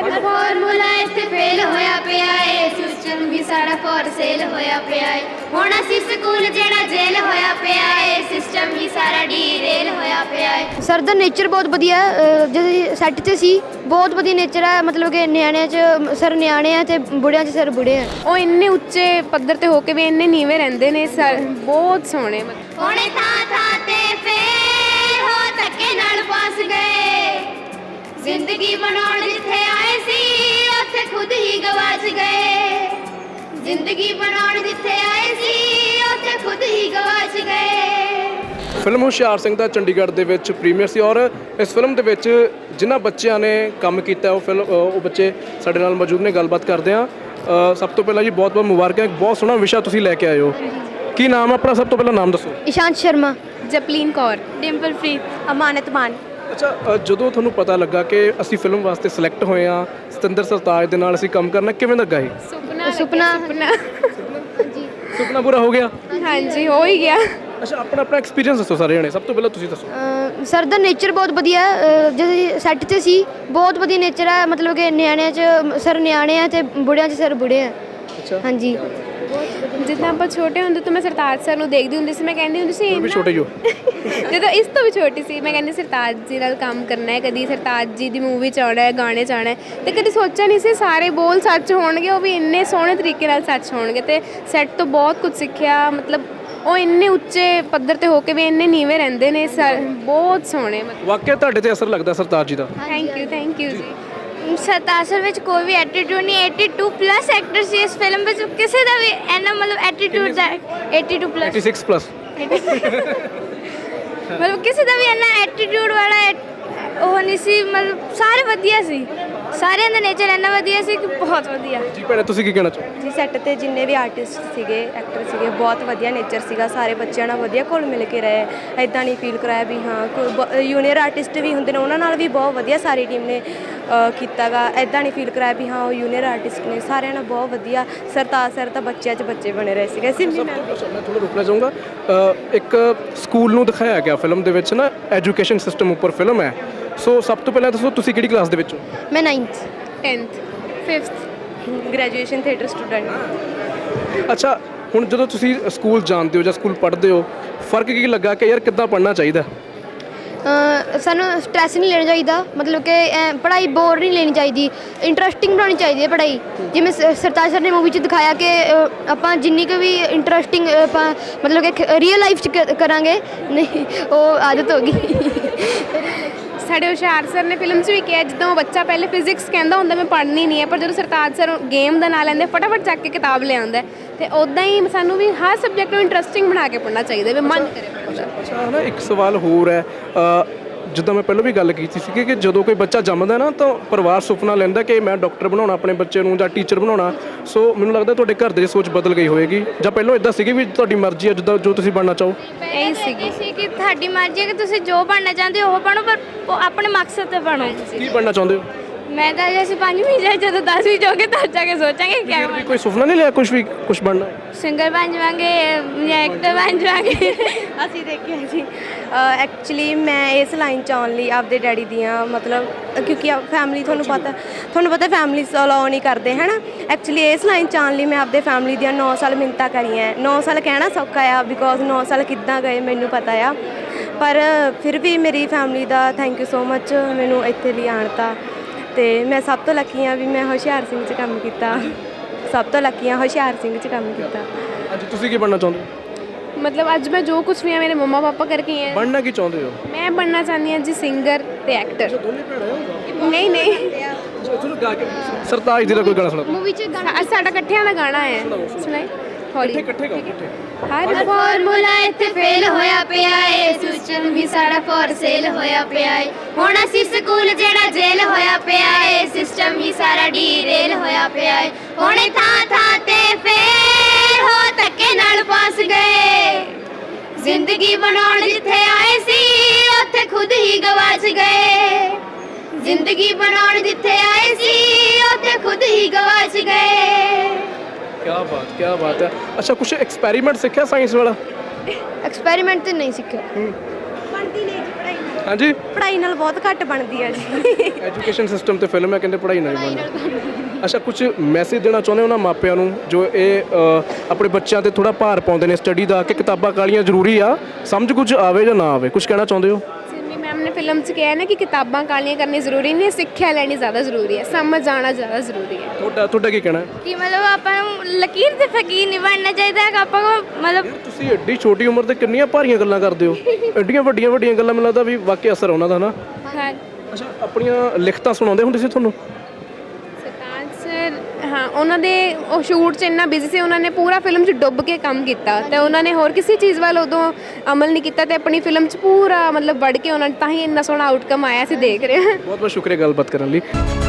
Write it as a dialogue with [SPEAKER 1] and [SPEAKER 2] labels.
[SPEAKER 1] हर formula इत्थे fail होया पिया है, सिस्टम भी सारा फॉर सेल होया पिया है। हुण असीं स्कूल जेड़ा जेल होया पिया है, सिस्टम भी सारा डीरेल होया पिया है।
[SPEAKER 2] सर ਦਾ ਨੇਚਰ ਬਹੁਤ ਵਧੀਆ ਜਦੋਂ ਸੈੱਟ 'ਚ ਸੀ ਬਹੁਤ ਵਧੀਆ ਨੇਚਰ ਹੈ ਮਤਲਬ ਕਿ ਨਿਆਣਿਆਂ 'ਚ ਸਰ ਨਿਆਣੇ ਆ ਤੇ ਬੁੜਿਆਂ 'ਚ ਸਰ ਬੁੜੇ ਆ
[SPEAKER 3] ਉਹ ਇੰਨੇ ਉੱਚੇ ਪੱਧਰ ਤੇ ਹੋ ਕੇ ਵੀ ਇੰਨੇ ਨੀਵੇਂ ਰਹਿੰਦੇ ਨੇ ਸਰ ਬਹੁਤ ਸੋਹਣੇ
[SPEAKER 1] ਹੁਣੇ ਥਾਂ ਥਾਂ ਤੇ ਫੇਲ ਹੋ ਧੱਕੇ ਨਾਲ ਪਾਸ ਗਏ, ਜ਼ਿੰਦਗੀ ਬਣਾਉਣ ਜਿੱਥੇ ਆਏ ਸੀ ਉੱਥੇ ਖੁਦ ਹੀ ਗਵਾਚ ਗਏ, ਜ਼ਿੰਦਗੀ ਬਣਾਉਣ ਜਿੱਥੇ ਆਏ ਸੀ ਉੱਥੇ ਖੁਦ ਹੀ ਗਵਾਚ ਗਏ।
[SPEAKER 4] ਫਿਲਮ ਹੁਸ਼ਿਆਰ ਸਿੰਘ ਦਾ ਚੰਡੀਗੜ੍ਹ ਦੇ ਵਿੱਚ ਪ੍ਰੀਮੀਅਰ ਸੀ ਔਰ ਇਸ ਫਿਲਮ ਦੇ ਵਿੱਚ ਜਿਨ੍ਹਾਂ ਬੱਚਿਆਂ ਨੇ ਕੰਮ ਕੀਤਾ ਉਹ ਬੱਚੇ ਸਾਡੇ ਨਾਲ ਮੌਜੂਦ ਨੇ, ਗੱਲਬਾਤ ਕਰਦੇ ਹਾਂ। ਸਭ ਤੋਂ ਪਹਿਲਾਂ ਜੀ ਬਹੁਤ ਬਹੁਤ ਮੁਬਾਰਕਾਂ, ਇੱਕ ਬਹੁਤ ਸੋਹਣਾ ਵਿਸ਼ਾ ਤੁਸੀਂ ਲੈ ਕੇ ਆਏ ਹੋ। ਕੀ ਨਾਮ ਹੈ ਆਪਣਾ? ਸਭ ਤੋਂ ਪਹਿਲਾਂ ਨਾਮ ਦੱਸੋ।
[SPEAKER 2] ਇਸ਼ਾਂਤ ਸ਼ਰਮਾ,
[SPEAKER 3] ਜਪਲੀਨ ਕੌਰ,
[SPEAKER 2] ਡਿੰਪਲਪ੍ਰੀਤ, ਅਮਾਨਤ ਮਾਨ।
[SPEAKER 4] ਅੱਛਾ, ਜਦੋਂ ਤੁਹਾਨੂੰ ਪਤਾ ਲੱਗਾ ਕਿ ਅਸੀਂ ਫਿਲਮ ਵਾਸਤੇ ਸਿਲੈਕਟ ਹੋਏ ਹਾਂ, ਸਤਿੰਦਰ ਸਰਤਾਜ ਦੇ ਨਾਲ ਅਸੀਂ ਕੰਮ ਕਰਨਾ, ਕਿਵੇਂ ਲੱਗਾ ਇਹ?
[SPEAKER 3] ਸੁਪਨਾ
[SPEAKER 4] ਸੁਪਨਾ ਪੂਰਾ ਹੋ ਗਿਆ?
[SPEAKER 3] ਹਾਂਜੀ ਹੋ ਹੀ ਗਿਆ।
[SPEAKER 4] ਅੱਛਾ, ਆਪਣਾ ਐਕਸਪੀਰੀਅੰਸ ਦੱਸੋ ਸਾਰੇ ਜਣੇ, ਸਭ ਤੋਂ ਪਹਿਲਾਂ ਤੁਸੀਂ ਦੱਸੋ।
[SPEAKER 2] ਸਰ ਦਾ ਨੇਚਰ ਬਹੁਤ ਵਧੀਆ ਜਦੋਂ ਸੈੱਟ 'ਚ ਸੀ ਬਹੁਤ ਵਧੀਆ ਨੇਚਰ ਹੈ ਮਤਲਬ ਕਿ ਨਿਆਣਿਆਂ 'ਚ ਸਰ ਨਿਆਣੇ ਆ ਤੇ ਬੁੜਿਆਂ 'ਚ ਸਰ ਬੁੜੇ ਆ।
[SPEAKER 4] ਅੱਛਾ,
[SPEAKER 2] ਹਾਂਜੀ।
[SPEAKER 3] ਜਿੱਦਾਂ ਆਪਾਂ ਛੋਟੇ ਹੁੰਦੇ ਤੋਂ ਮੈਂ ਸਰਤਾਜ ਸਰ ਨੂੰ ਦੇਖਦੀ ਹੁੰਦੀ ਸੀ, ਮੈਂ ਕਹਿੰਦੀ ਹੁੰਦੀ ਸੀ
[SPEAKER 4] ਵੀ ਛੋਟੇ ਜੋ
[SPEAKER 3] ਜਦੋਂ ਇਸ ਤੋਂ ਵੀ ਛੋਟੀ ਸੀ ਮੈਂ ਕਹਿੰਦੀ ਸਰਤਾਜ ਜੀ ਨਾਲ ਕੰਮ ਕਰਨਾ ਹੈ, ਕਦੀ ਸਰਤਾਜ ਜੀ ਦੀ ਮੂਵੀ 'ਚ ਆਉਣਾ ਹੈ, ਗਾਣੇ 'ਚ ਆਉਣਾ ਹੈ, ਤੇ ਕਦੀ ਸੋਚਿਆ ਨਹੀਂ ਸੀ ਸਾਰੇ ਬੋਲ ਸੱਚ ਹੋਣਗੇ, ਉਹ ਵੀ ਇੰਨੇ ਸੋਹਣੇ ਤਰੀਕੇ ਨਾਲ ਸੱਚ ਹੋਣਗੇ। ਤੇ ਸੈੱਟ ਤੋਂ ਬਹੁਤ ਕੁਝ ਸਿੱਖਿਆ, ਮਤਲਬ ਉਹ ਇੰਨੇ ਉੱਚੇ ਪੱਧਰ ਤੇ ਹੋ ਕੇ ਵੀ ਇੰਨੇ ਨੀਵੇਂ ਰਹਿੰਦੇ ਨੇ ਸਰ ਬਹੁਤ ਸੋਹਣੇ।
[SPEAKER 4] ਵਾਕਿਆ ਤੁਹਾਡੇ ਤੇ ਅਸਰ ਲੱਗਦਾ ਸਰਤਾਜ ਜੀ ਦਾ।
[SPEAKER 3] ਥੈਂਕ ਯੂ ਜੀ।
[SPEAKER 1] ਸਰਤਾਜ ਸਰ ਵਿੱਚ ਕੋਈ ਵੀ ਐਟੀਟਿਊਡ ਨਹੀਂ, 82 ਪਲੱਸ ਐਕਟਰ ਸੀ ਇਸ ਫਿਲਮ ਵਿੱਚ, ਕਿਸੇ ਦਾ ਵੀ ਇੰਨਾ ਮਤਲਬ ਐਟੀਟਿਊਡ ਦਾ 82 ਪਲੱਸ
[SPEAKER 4] 86 ਪਲੱਸ
[SPEAKER 1] ਮਤਲਬ ਕਿਸੇ ਦਾ ਵੀ ਇੰਨਾ ਐਟੀਟਿਊਡ ਵਾਲਾ ਉਹ ਨਹੀਂ ਸੀ, ਮਤਲਬ ਸਾਰੇ ਵਧੀਆ ਸੀ, ਸਾਰਿਆਂ ਦਾ ਨੇਚਰ ਇੰਨਾ ਵਧੀਆ ਸੀ ਕਿ ਬਹੁਤ ਵਧੀਆ।
[SPEAKER 4] ਜੀ ਭੈਣੇ, ਤੁਸੀਂ ਕੀ ਕਹਿਣਾ ਚਾਹੋ?
[SPEAKER 5] ਜੀ ਸੈੱਟ ਤੇ ਜਿੰਨੇ ਵੀ ਆਰਟਿਸਟ ਸੀਗੇ, ਐਕਟਰ ਸੀਗੇ, ਬਹੁਤ ਵਧੀਆ ਨੇਚਰ ਸੀਗਾ, ਸਾਰੇ ਬੱਚਿਆਂ ਨਾਲ ਵਧੀਆ ਘੁਲ ਮਿਲ ਕੇ ਰਹੇ। ਐਦਾਂ ਨਹੀਂ ਫੀਲ ਕਰਾਇਆ ਵੀ ਹਾਂ ਕੋਈ ਜੂਨੀਅਰ ਆਰਟਿਸਟ ਵੀ ਹੁੰਦੇ ਨੇ ਉਹਨਾਂ ਨਾਲ ਵੀ ਬਹੁਤ ਵਧੀਆ ਸਾਰੀ ਟੀਮ ਨੇ ਕੀਤਾਗਾ। ਐਦਾਂ ਨਹੀਂ ਫੀਲ ਕਰਾਇਆ ਵੀ ਹਾਂ ਉਹ ਜੂਨੀਅਰ ਆਰਟਿਸਟ ਨੇ, ਸਾਰਿਆਂ ਨਾਲ ਬਹੁਤ ਵਧੀਆ। ਸਰਤਾਜ ਸਰ ਤਾਂ ਬੱਚਿਆਂ 'ਚ ਬੱਚੇ ਬਣੇ ਰਹੇ ਸੀਗੇ। ਸਿੰਮੀ ਮੈਮ
[SPEAKER 4] ਮੈਂ ਥੋੜਾ ਰੁਕਣਾ ਚਾਹੂੰਗਾ। ਇੱਕ ਸਕੂਲ ਨੂੰ ਦਿਖਾਇਆ ਗਿਆ ਫਿਲਮ ਦੇ ਵਿੱਚ ਨਾ, ਐਜੂਕੇਸ਼ਨ ਸਿਸਟਮ ਉੱਪਰ ਫਿਲਮ ਹੈ। ਸੋ ਸਭ ਤੋਂ ਪਹਿਲਾਂ ਦੱਸੋ ਤੁਸੀਂ ਕਿਹੜੀ ਕਲਾਸ ਦੇ ਵਿੱਚ ਹੋ?
[SPEAKER 2] ਮੈਂ 9th
[SPEAKER 3] 10th 5th
[SPEAKER 5] graduation theatre student.
[SPEAKER 4] ਅੱਛਾ, ਹੁਣ ਜਦੋਂ ਤੁਸੀਂ ਸਕੂਲ ਜਾਂਦੇ ਹੋ ਜਾਂ ਸਕੂਲ ਪੜ੍ਹਦੇ ਹੋ, ਫਰਕ ਕੀ ਲੱਗਾ ਕਿ ਯਾਰ ਕਿੱਦਾਂ ਪੜ੍ਹਨਾ ਚਾਹੀਦਾ?
[SPEAKER 2] ਸਾਨੂੰ ਸਟ੍ਰੈਸ ਨਹੀਂ ਲੈਣਾ ਚਾਹੀਦਾ, ਮਤਲਬ ਕਿ ਪੜ੍ਹਾਈ ਬੋਰ ਨਹੀਂ ਲੈਣੀ ਚਾਹੀਦੀ, ਇੰਟਰਸਟਿੰਗ ਬਣਾਉਣੀ ਚਾਹੀਦੀ ਹੈ ਪੜ੍ਹਾਈ। ਜਿਵੇਂ ਸਰਤਾਜ ਸਰ ਨੇ ਮੂਵੀ 'ਚ ਦਿਖਾਇਆ ਕਿ ਆਪਾਂ ਜਿੰਨੀ ਕੁ ਵੀ ਇੰਟਰਸਟਿੰਗ ਆਪਾਂ ਮਤਲਬ ਕਿ ਰੀਅਲ ਲਾਈਫ 'ਚ ਕਰਾਂਗੇ, ਨਹੀਂ ਉਹ ਆਦਤ ਹੋ ਗਈ।
[SPEAKER 3] ਸਾਡੇ ਹੁਸ਼ਿਆਰ ਸਰ ਨੇ ਫਿਲਮ 'ਚ ਵੀ ਕਿਹਾ, ਜਿੱਦਾਂ ਉਹ ਬੱਚਾ ਪਹਿਲੇ ਫਿਜ਼ਿਕਸ ਕਹਿੰਦਾ ਹੁੰਦਾ ਮੈਂ ਪੜ੍ਹਨੀ ਨਹੀਂ ਹੈ, ਪਰ ਜਦੋਂ ਸਰਤਾਜ ਸਰ ਗੇਮ ਦਾ ਨਾਂ ਲੈਂਦੇ ਫਟਾਫਟ ਚੱਕ ਕੇ ਕਿਤਾਬ ਲਿਆਉਂਦਾ। ਤੇ ਉੱਦਾਂ ਹੀ ਸਾਨੂੰ ਵੀ ਹਰ ਸਬਜੈਕਟ ਨੂੰ ਇੰਟਰਸਟਿੰਗ ਬਣਾ ਕੇ ਪੜ੍ਹਨਾ ਚਾਹੀਦਾ, ਵੀ ਮਨ ਕਰੇ ਪੜ੍ਹਨ ਦਾ।
[SPEAKER 4] ਅੱਛਾ, ਨਾ ਇੱਕ ਸਵਾਲ ਹੋਰ ਹੈ। ਜਿੱਦਾਂ ਮੈਂ ਪਹਿਲਾਂ ਵੀ ਗੱਲ ਕੀਤੀ ਸੀ ਕਿ ਜਦੋਂ ਕੋਈ ਬੱਚਾ ਜੰਮਦਾ ਨਾ ਤਾਂ ਪਰਿਵਾਰ ਸੁਪਨਾ ਲੈਂਦਾ ਕਿ ਮੈਂ ਡਾਕਟਰ ਬਣਾਉਣਾ ਆਪਣੇ ਬੱਚੇ ਨੂੰ ਜਾਂ ਟੀਚਰ ਬਣਾਉਣਾ। ਸੋ ਮੈਨੂੰ ਲੱਗਦਾ ਤੁਹਾਡੇ ਘਰ ਦੇ ਸੋਚ ਬਦਲ ਗਈ ਹੋਏਗੀ, ਜਾਂ ਪਹਿਲਾਂ ਇਦਾਂ ਸੀਗੀ ਵੀ ਤੁਹਾਡੀ ਮਰਜ਼ੀ ਹੈ ਜਿੱਦਾਂ ਜੋ ਤੁਸੀਂ ਬਣਨਾ ਚਾਹੋ?
[SPEAKER 3] ਇਹੀ ਸੀਗੀ
[SPEAKER 1] ਸੀ ਕਿ ਤੁਹਾਡੀ ਮਰਜ਼ੀ ਹੈ ਕਿ ਤੁਸੀਂ ਜੋ ਬਣਨਾ ਚਾਹੁੰਦੇ ਹੋ ਉਹ ਬਣੋ, ਪਰ ਆਪਣੇ ਮਕਸਦ ਤੇ ਬਣੋ।
[SPEAKER 4] ਕੀ ਬਣਨਾ ਚਾਹੁੰਦੇ ਹੋ?
[SPEAKER 1] ਮੈਂ ਤਾਂ ਜੇ ਅਸੀਂ 5ਵੀਂ ਜਾਏ ਜਦੋਂ 10ਵੀਂ ਜਾਓਗੇ ਤਾਂ ਜਾ ਕੇ ਸੋਚਾਂਗੇ ਕਿਆ
[SPEAKER 4] ਫਿਰ ਵੀ ਕੋਈ ਸੁਪਨਾ ਨਹੀਂ ਲਿਆ ਕੁਝ ਬਣਨਾ?
[SPEAKER 1] ਸਿੰਗਰ ਬਣ ਜਾਵਾਂਗੇ ਜਾਂ ਐਕਟਰ ਬਣ ਜਾਵਾਂਗੇ।
[SPEAKER 5] ਅਸੀਂ ਦੇਖਿਆ ਜੀ ਐਕਚੁਅਲੀ ਮੈਂ ਇਸ ਲਾਈਨ 'ਚ ਆਉਣ ਲਈ ਆਪਦੇ ਡੈਡੀ ਦੀਆਂ ਮਤਲਬ ਕਿਉਂਕਿ ਫੈਮਿਲੀ ਤੁਹਾਨੂੰ ਪਤਾ ਫੈਮਿਲੀ ਅਲਾਓ ਨਹੀਂ ਕਰਦੇ ਹੈ ਨਾ। ਐਕਚੁਅਲੀ ਇਸ ਲਾਈਨ 'ਚ ਆਉਣ ਲਈ ਮੈਂ ਆਪਦੇ ਫੈਮਿਲੀ ਦੀਆਂ 9 ਸਾਲ ਮਿੰਨਤਾਂ ਕਰੀਆਂ। 9 ਸਾਲ ਕਹਿਣਾ ਸੌਖਾ ਆ ਬਿਕੋਜ਼ 9 ਸਾਲ ਕਿੱਦਾਂ ਗਏ ਮੈਨੂੰ ਪਤਾ ਆ, ਪਰ ਫਿਰ ਵੀ ਮੇਰੀ ਫੈਮਿਲੀ ਦਾ ਥੈਂਕ ਯੂ ਸੋ ਮੱਚ ਮੈਨੂੰ ਇੱਥੇ ਲਈ ਆਉਣ ਤਾ। ਅਤੇ ਮੈਂ ਸਭ ਤੋਂ ਲੱਕੀ ਹਾਂ ਵੀ ਮੈਂ ਹੁਸ਼ਿਆਰ ਸਿੰਘ 'ਚ ਕੰਮ ਕੀਤਾ, ਸਭ ਤੋਂ ਲੱਕੀ ਹਾਂ ਹੁਸ਼ਿਆਰ ਸਿੰਘ 'ਚ ਕੰਮ ਕੀਤਾ।
[SPEAKER 4] ਅੱਜ ਤੁਸੀਂ ਕੀ ਬਣਨਾ ਚਾਹੁੰਦੇ ਹੋ?
[SPEAKER 3] ਮਤਲਬ ਅੱਜ ਮੈਂ ਜੋ ਕੁਛ ਵੀ ਆ ਮੇਰੇ ਮੰਮਾ ਪਾਪਾ ਕਰਕੇ ਹੈ।
[SPEAKER 4] ਬਣਨਾ ਕੀ ਚਾਹੁੰਦੇ ਹੋ?
[SPEAKER 3] ਮੈਂ ਬਣਨਾ ਚਾਹੁੰਦੀ ਹਾਂ ਜੀ ਸਿੰਗਰ ਤੇ ਐਕਟਰ। ਨਹੀਂ
[SPEAKER 4] ਸਰਤਾਜ ਜੀ ਦਾ ਕੋਈ ਗਾਣਾ ਸੁਣਾਓ।
[SPEAKER 2] ਮੂਵੀ 'ਚ
[SPEAKER 3] ਅੱਜ ਸਾਡਾ ਇਕੱਠਿਆਂ ਦਾ ਗਾਣਾ ਹੈ, ਸੁਣਾਈ ਹੌਲੀ।
[SPEAKER 4] ਇਕੱਠੇ ਗਾਓ ਇਕੱਠੇ।
[SPEAKER 3] ਹਰ
[SPEAKER 1] ਫਾਰਮੂਲਾ ਇੱਥੇ ਫੇਲ ਹੋਇਆ ਪਿਆ ਏ, ਸਿਸਟਮ ਵੀ ਸਾਰਾ ਫॉर ਸੇਲ ਹੋਇਆ ਪਿਆ ਏ। ਹੁਣ ਅਸੀਂ ਸਕੂਲ ਜਿਹੜਾ ਜੇਲ ਹੋਇਆ ਪਿਆ ਏ, ਸਿਸਟਮ ਵੀ ਸਾਰਾ ਡੀਰੇਲ ਹੋਇਆ ਪਿਆ ਏ। ਹੁਣੇ ਥਾਂ ਥਾਂ ਤੇ ਫੇਲ ਹੋ ਧੱਕੇ ਨਾਲ ਪਾਸ ਗਏ, ਜ਼ਿੰਦਗੀ ਬਣਾਉਣ ਜਿੱਥੇ ਆਏ ਸੀ ਉੱਥੇ ਖੁਦ ਹੀ ਗਵਾਚ ਗਏ, ਜ਼ਿੰਦਗੀ ਬਣਾਉਣ ਜਿੱਥੇ ਆਏ ਸੀ ਉੱਥੇ ਖੁਦ ਹੀ ਗਵਾਚ ਗਏ।
[SPEAKER 4] ਕੀ ਬਾਤ ਹੈ। ਅੱਛਾ, ਕੁਝ ਐਕਸਪੈਰੀਮੈਂਟ ਸਿੱਖਿਆ ਸਾਇੰਸ ਵਾਲਾ?
[SPEAKER 2] ਐਕਸਪੈਰੀਮੈਂਟ ਤੇ ਨਹੀਂ ਸਿੱਖਿਆ।
[SPEAKER 5] ਬਣਦੀ ਨਹੀਂ ਜੀ ਪੜ੍ਹਾਈ।
[SPEAKER 4] ਹਾਂਜੀ
[SPEAKER 5] ਪੜ੍ਹਾਈ ਨਾਲ ਬਹੁਤ ਘੱਟ ਬਣਦੀ ਹੈ ਜੀ।
[SPEAKER 4] ਐਜੂਕੇਸ਼ਨ ਸਿਸਟਮ ਤੇ ਫਿਲਮ ਹੈ, ਕਹਿੰਦੇ ਪੜ੍ਹਾਈ ਨਾਲ ਹੀ ਬਣਦੀ। ਅੱਛਾ, ਕੁਝ ਮੈਸੇਜ ਦੇਣਾ ਚਾਹੁੰਦੇ ਹੋ ਉਹਨਾਂ ਮਾਪਿਆਂ ਨੂੰ ਜੋ ਇਹ ਆਪਣੇ ਬੱਚਿਆਂ ਤੇ ਥੋੜਾ ਭਾਰ ਪਾਉਂਦੇ ਨੇ ਸਟੱਡੀ ਦਾ, ਕਿ ਕਿਤਾਬਾਂ ਕਾਲੀਆਂ ਜ਼ਰੂਰੀ ਆ, ਸਮਝ ਕੁਝ ਆਵੇ ਜਾਂ ਨਾ ਆਵੇ, ਕੁਝ ਕਹਿਣਾ ਚਾਹੁੰਦੇ ਹੋ?
[SPEAKER 3] ਸਿੰਮੀ ਮੈਮ ਨੇ ਫਿਲਮ 'ਚ ਕਿਹਾ ਨਾ ਕਿ ਕਿਤਾਬਾਂ ਕਾਲੀਆਂ ਕਰਨੀ ਜ਼ਰੂਰੀ ਨਹੀਂ, ਸਿੱਖਿਆ ਲੈਣੀ ਜ਼ਿਆਦਾ ਜ਼ਰੂਰੀ ਹੈ, ਸਮਝ ਆਉਣਾ ਜ਼ਿਆਦਾ ਜ਼ਰੂਰੀ ਹੈ।
[SPEAKER 4] ਤੁਹਾਡਾ ਕੀ ਕਹਿਣਾ ਹੈ?
[SPEAKER 1] ਕਿ ਮਤਲਬ ਆਪਾਂ ਨੂੰ ਲਕੀਰ ਤੇ ਫਕੀਰ ਨਹੀਂ ਬਣਨਾ ਚਾਹੀਦਾ ਹੈਗਾ, ਆਪਾਂ ਨੂੰ ਮਤਲਬ
[SPEAKER 4] ਤੁਸੀਂ ਐਡੀ ਛੋਟੀ ਉਮਰ ਤੇ ਕਿੰਨੀਆਂ ਭਾਰੀਆਂ ਗੱਲਾਂ ਕਰਦੇ ਹੋ, ਐਡੀਆਂ ਵੱਡੀਆਂ ਵੱਡੀਆਂ ਗੱਲਾਂ, ਮੈਨੂੰ ਲੱਗਦਾ ਵੀ ਵਾਕਈ ਅਸਰ ਉਹਨਾਂ ਦਾ ਨਾ।
[SPEAKER 3] ਹਾਂ
[SPEAKER 4] ਅੱਛਾ, ਆਪਣੀਆਂ ਲਿਖਤਾਂ ਸੁਣਾਉਂਦੇ ਹੁੰਦੇ ਸੀ ਤੁਹਾਨੂੰ?
[SPEAKER 3] ਸਰਤਾਜ ਸਰ, ਹਾਂ ਉਹਨਾਂ ਦੇ ਉਹ ਸ਼ੂਟ 'ਚ ਇੰਨਾ ਬਿਜ਼ੀ ਸੀ, ਉਹਨਾਂ ਨੇ ਪੂਰਾ ਫਿਲਮ 'ਚ ਡੁੱਬ ਕੇ ਕੰਮ ਕੀਤਾ ਤੇ ਉਹਨਾਂ ਨੇ ਹੋਰ ਕਿਸੇ ਚੀਜ਼ ਵੱਲ ਉਦੋਂ ਅਮਲ ਨਹੀਂ ਕੀਤਾ ਤੇ ਆਪਣੀ ਫਿਲਮ 'ਚ ਪੂਰਾ ਮਤਲਬ ਵੜ ਕੇ ਉਹਨਾਂ ਨੇ, ਤਾਂ ਹੀ ਇੰਨਾ ਸੋਹਣਾ ਆਊਟਕਮ ਆਇਆ, ਅਸੀਂ ਦੇਖ ਰਹੇ ਹਾਂ।
[SPEAKER 4] ਬਹੁਤ ਬਹੁਤ ਸ਼ੁਕਰੀਆ ਗੱਲਬਾਤ ਕਰਨ ਲਈ।